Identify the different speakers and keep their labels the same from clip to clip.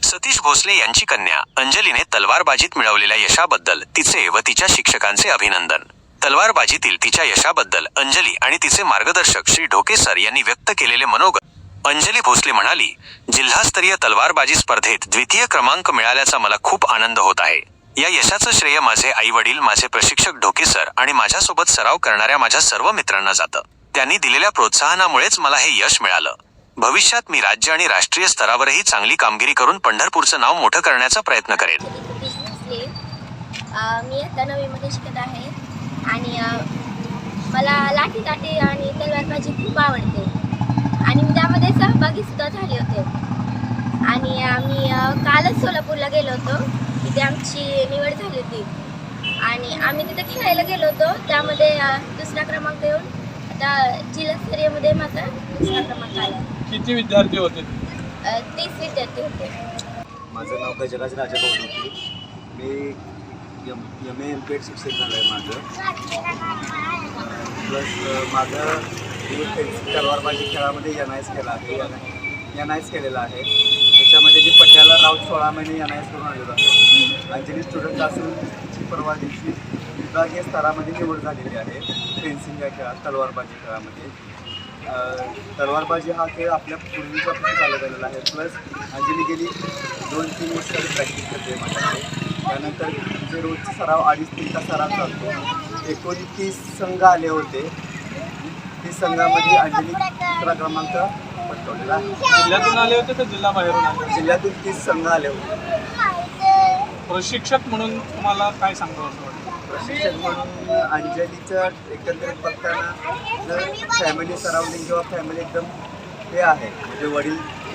Speaker 1: सतीश भोसले यांची कन्या अंजलीने तलवारबाजीत मिळवलेल्या यशाबद्दल तिचे व तिच्या शिक्षकांचे अभिनंदन। तलवारबाजीतील तिच्या यशाबद्दल अंजली आणि तिचे मार्गदर्शक श्री ढोके सर यांनी व्यक्त केलेले मनोगत। अंजली भोसले म्हणाली, जिल्हास्तरीय तलवारबाजी स्पर्धेत द्वितीय क्रमांक मिळाल्याचा मला खूप आनंद होत आहे। या यशाचं श्रेय माझे आई वडील, माझे प्रशिक्षक ढोके सर आणि माझ्यासोबत सराव करणाऱ्या माझ्या सर्व मित्रांना जातं। त्यांनी दिलेल्या प्रोत्साहनामुळेच मला हे यश मिळालं। भविष्यात मी राज्य आणि राष्ट्रीय स्तरावरही चांगली कामगिरी करून पंढरपूरचं नाव मोठं करण्याचा प्रयत्न करेन।
Speaker 2: मी आता 9वी मध्ये शिकत आहे आणि मला लाठीकाठी आणि तलवारबाजी खूप आवडते आणि मी त्यामध्ये सहभागी सुद्धा झाले होते। आणि आम्ही कालच सोलापूरला गेलो होतो, तिथे आमची निवड झाली होती आणि आम्ही तिथे खेळायला गेलो होतो। त्यामध्ये दुसरा क्रमांक येऊन आता जिल्हास्तरीयमध्ये माझा दुसरा क्रमांक आला।
Speaker 3: किती विद्यार्थी होते?
Speaker 2: 30 विद्यार्थी होते।
Speaker 4: माझं नाव गजराज राजा होते। मी MA शिक्षक झालं आहे माझं। प्लस माझं तलवारबाजी खेळामध्ये NIS केला आहे, NIS केलेला आहे। त्याच्यामध्ये जी पट्याला राऊत 16 महिने NIS करून आलेलो आहे। अंजली स्टुडंट असून तिची परवा दिवशी विभागीय स्तरामध्ये निवड झालेली आहे फेन्सिंग या खेळात, तलवारबाजी खेळामध्ये। तलवारबाजी हा खेळ आपल्या पूर्वीपासून चालत आलेला आहे। प्लस अंजली गेली 2-3 वर्ष प्रॅक्टिस करते माझ्याकडे। त्यानंतर जे रोजचा सराव 2.5-3 तास सराव चालतो। 29 संघ आले होते, 30 संघामध्ये अंजली दुसरा क्रमांक पटकवलेला आहे।
Speaker 3: जिल्ह्यातून आले होते तर जिल्हा बाहेरून आले?
Speaker 4: जिल्ह्यातून 30 संघ आले होते।
Speaker 3: प्रशिक्षक म्हणून तुम्हाला काय सांगतो असं वाटतं?
Speaker 4: प्रशिक्षक म्हणून अंजलीचं एकंदरीत बघताना जर फॅमिली सराउंडिंग किंवा फॅमिली एकदम हे आहे, म्हणजे वडील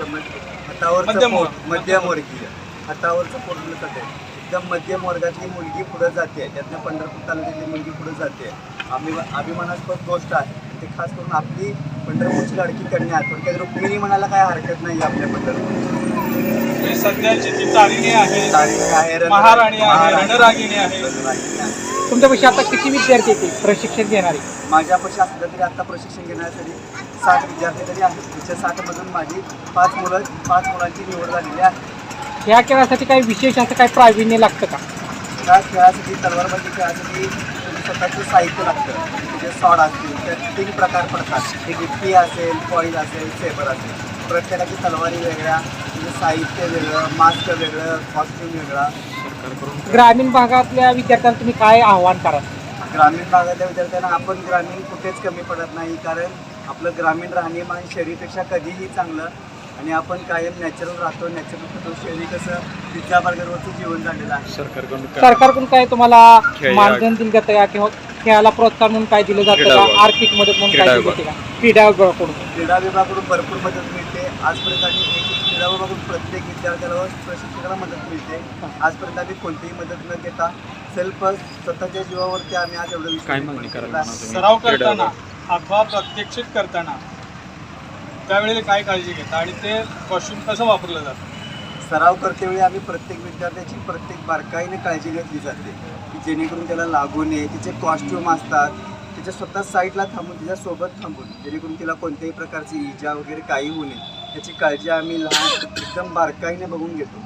Speaker 4: हातावरचं मध्यमवर्गीय, हातावरचं पोट आहे, एकदम मध्यम वर्गातली मुलगी पुढे जाते, त्यातनं पंढरपूर तालुक्यातली मुलगी पुढे जाते। अभिमानास्पद गोष्ट आहे ते, खास करून आपली पंढरपूरची लाडकी कन्या थोडक्यात रुक्मिणी म्हणायला काय हरकत नाही आपल्या पंढरपूरची।
Speaker 3: सध्याची जी तारिणी आहे, महाराणी आहे, रणरागिणी आहे।
Speaker 5: तुमच्यापाशी आता किती विद्यार्थी येते प्रशिक्षण घेणारे?
Speaker 4: माझ्यापाशी असलं तरी आता प्रशिक्षण घेण्यासाठी 60 विद्यार्थी तरी आहेत। तिच्या 60मधून माझी 5 मुलांची निवड झालेली आहे।
Speaker 5: या खेळासाठी काही विशेष असं काही प्रावीण्य लागतं का?
Speaker 4: त्या खेळासाठी, तलवारबाजी खेळासाठी स्वतःचं साहित्य लागतं। म्हणजे सॉड असतील, त्यात 3 प्रकार पडतात, एक इट्टी असेल, फॉईल असेल, सेबर असेल। प्रत्येकाची तलवारी वेगळ्या, म्हणजे साहित्य वेगळं, मास्क वेगळं, कॉस्ट्यूम वेगळा।
Speaker 5: ग्रामीण भागातल्या विद्यार्थ्यांना तुम्ही काय आव्हान कराल?
Speaker 4: ग्रामीण भागातल्या विद्यार्थ्यांना आपण ग्रामीण कुठेच कमी पडत नाही, कारण आपलं ग्रामीण राहणीमान शहरीपेक्षा कधीही चांगलं आणि आपण कायम नॅचरल राहतो, नॅचरल खातो। शहरी कसं पिझ्झा बर्गरवरचं जीवन झालेलं आहे।
Speaker 5: सरकारकडून काय तुम्हाला मानधन दिलं जातं का किंवा खेळाला प्रोत्साहन म्हणून काय दिलं जातं का? आर्थिक मदत म्हणून काय दिली जाते का? क्रीडा
Speaker 4: विभागाकडून भरपूर मदत मिळते। आजपर्यंत आम्ही क्रीडा विभागाकडून प्रत्येक विद्यार्थ्याला व प्रशिक्षकाला मदत मिळते। आजपर्यंत आम्ही कोणतीही मदत न घेता सेल्फ स्वतःच्या जीवावरती आम्ही आज एवढं
Speaker 3: सराव करताना अथवा प्रात्यक्षिक करताना त्यावेळेला काय काळजी घेता आणि ते कॉस्ट्यूम कसं वापरलं जातं?
Speaker 4: सराव करतेवेळी आम्ही प्रत्येक विद्यार्थ्याची प्रत्येक बारकाईने काळजी घेतली जाते की जेणेकरून त्याला लागू नये। तिचे कॉस्ट्यूम असतात, तिच्या स्वतः साईडला थांबून, तिच्यासोबत थांबून, जेणेकरून तिला कोणत्याही प्रकारची इजा वगैरे काही होऊ नये याची काळजी आम्ही एकदम बारकाईने बघून घेतो।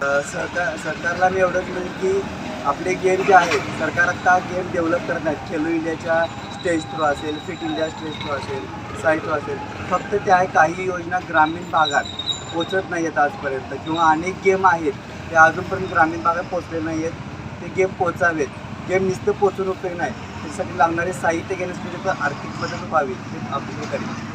Speaker 4: सरकारला मी एवढंच म्हणेन की आपले गेम जे आहेत, सरकार आता गेम डेव्हलप करत आहेत। खेलो इंडियाच्या स्टेज थ्रू असेल, फिट इंडिया स्टेज थ्रू असेल, साईट थ्रू असेल, फक्त त्या काही योजना ग्रामीण भागात पोचत नाही आहेत आजपर्यंत, किंवा अनेक गेम आहेत ते अजूनपर्यंत ग्रामीण भागात पोचले नाही आहेत। ते गेम पोचावेत, गेम नुसतं पोचून उपयोग नाही, त्यासाठी लागणारे साहित्य घेण्यासाठी आर्थिक मदत व्हावी हे आपली करेल।